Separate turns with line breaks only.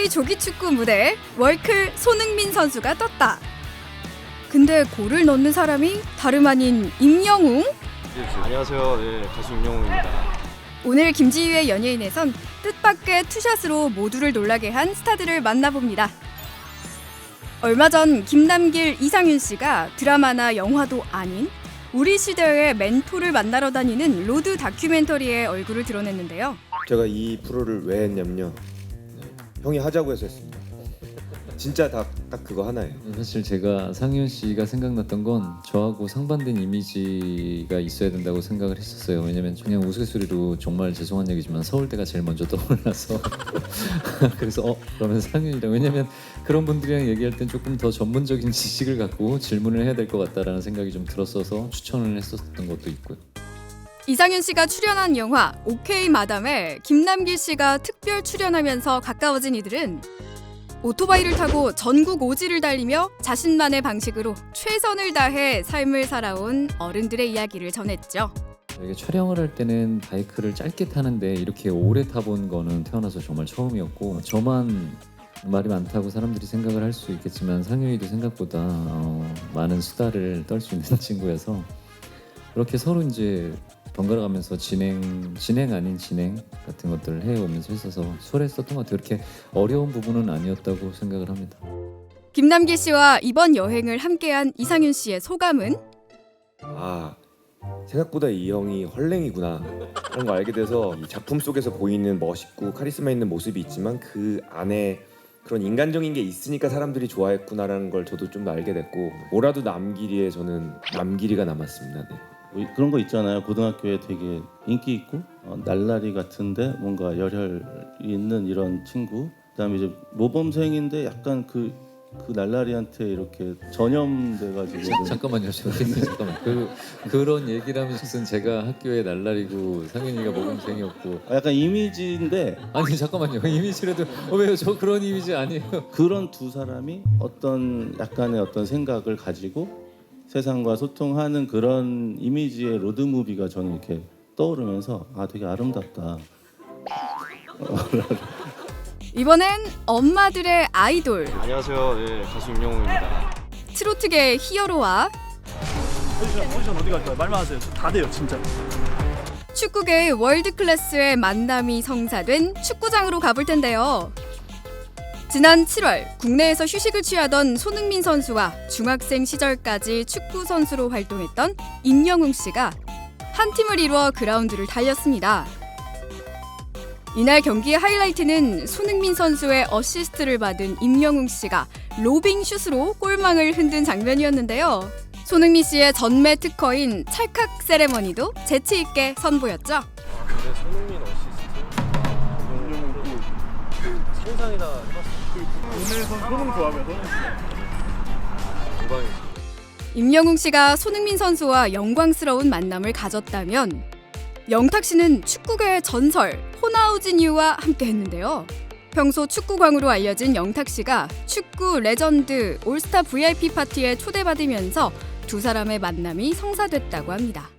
NBA 조기축구 무대에 월클 손흥민 선수가 떴다. 근데 골을 넣는 사람이 다름 아닌 임영웅?
안녕하세요. 네, 가수 임영웅입니다.
오늘 김지희의 연예인에선 뜻밖의 투샷으로 모두를 놀라게 한 스타들을 만나봅니다. 얼마 전 김남길, 이상윤 씨가 드라마나 영화도 아닌 우리 시대의 멘토를 만나러 다니는 로드 다큐멘터리에 얼굴을 드러냈는데요.
제가 이 프로를 왜 했냐면요. 형이 하자고 해서 했습니다. 진짜 딱 그거 하나예요.
사실 제가 상윤 씨가 생각났던 건 저하고 상반된 이미지가 있어야 된다고 생각을 했었어요. 왜냐면 그냥 우스갯소리로 정말 죄송한 얘기지만 서울대가 제일 먼저 떠올라서 그래서 그러면 상윤이랑, 왜냐면 그런 분들이랑 얘기할 땐 조금 더 전문적인 지식을 갖고 질문을 해야 될 것 같다라는 생각이 좀 들었어서 추천을 했었던 것도 있고요.
이상윤 씨가 출연한 영화 오케이 마담에 김남길 씨가 특별 출연하면서 가까워진 이들은 오토바이를 타고 전국 오지를 달리며 자신만의 방식으로 최선을 다해 삶을 살아온 어른들의 이야기를 전했죠.
이게 촬영을 할 때는 바이크를 짧게 타는데 이렇게 오래 타본 거는 태어나서 정말 처음이었고, 저만 말이 많다고 사람들이 생각을 할 수 있겠지만 상윤이도 생각보다 많은 수다를 떨 수 있는 친구여서 그렇게 서로 이제 번갈아가면서 진행 아닌 진행 같은 것들을 해오면서 있어서 수월했었던 것 같아요. 그렇게 어려운 부분은 아니었다고 생각을 합니다.
김남길 씨와 이번 여행을 함께한 이상윤 씨의 소감은?
생각보다 이 형이 헐랭이구나 그런 거 알게 돼서 이 작품 속에서 보이는 멋있고 카리스마 있는 모습이 있지만 그 안에 그런 인간적인 게 있으니까 사람들이 좋아했구나라는 걸 저도 좀 알게 됐고, 뭐라도 남길이에 저는 남길이가 남았습니다. 네.
그런 거 있잖아요. 고등학교에 되게 인기 있고 날라리 같은데 뭔가 열혈 있는 이런 친구. 그다음에 이제 모범생인데 약간 그 날라리한테 이렇게 전염돼가지고.
잠깐만요, 잠깐만. 그런 얘기를 하면서는 제가 학교에 날라리고 상윤이가 모범생이었고.
약간 이미지인데.
아니 잠깐만요, 이미지라도 왜요? 저 그런 이미지 아니에요.
그런 두 사람이 어떤 약간의 어떤 생각을 가지고 세상과 소통하는 그런 이미지의 로드무비가 저는 이렇게 떠오르면서 되게 아름답다.
이번엔 엄마들의 아이돌,
안녕하세요. 네, 가수 임영웅입니다.
트로트계의 히어로와
포지션 어디 갈까요? 말만 하세요. 다 돼요, 진짜.
축구계의 월드클래스의 만남이 성사된 축구장으로 가볼 텐데요. 지난 7월 국내에서 휴식을 취하던 손흥민 선수와 중학생 시절까지 축구 선수로 활동했던 임영웅 씨가 한 팀을 이루어 그라운드를 달렸습니다. 이날 경기의 하이라이트는 손흥민 선수의 어시스트를 받은 임영웅 씨가 로빙 슛으로 골망을 흔든 장면이었는데요. 손흥민 씨의 전매 특허인 찰칵 세레머니도 재치 있게 선보였죠.
근데 손흥민 어시스트 상상이다 해봤어요.
국내에선 손흥 좋아하면
영광이죠.
임영웅 씨가 손흥민 선수와 영광스러운 만남을 가졌다면 영탁 씨는 축구계의 전설 호나우지뉴와 함께했는데요. 평소 축구광으로 알려진 영탁 씨가 축구 레전드 올스타 VIP 파티에 초대받으면서 두 사람의 만남이 성사됐다고 합니다.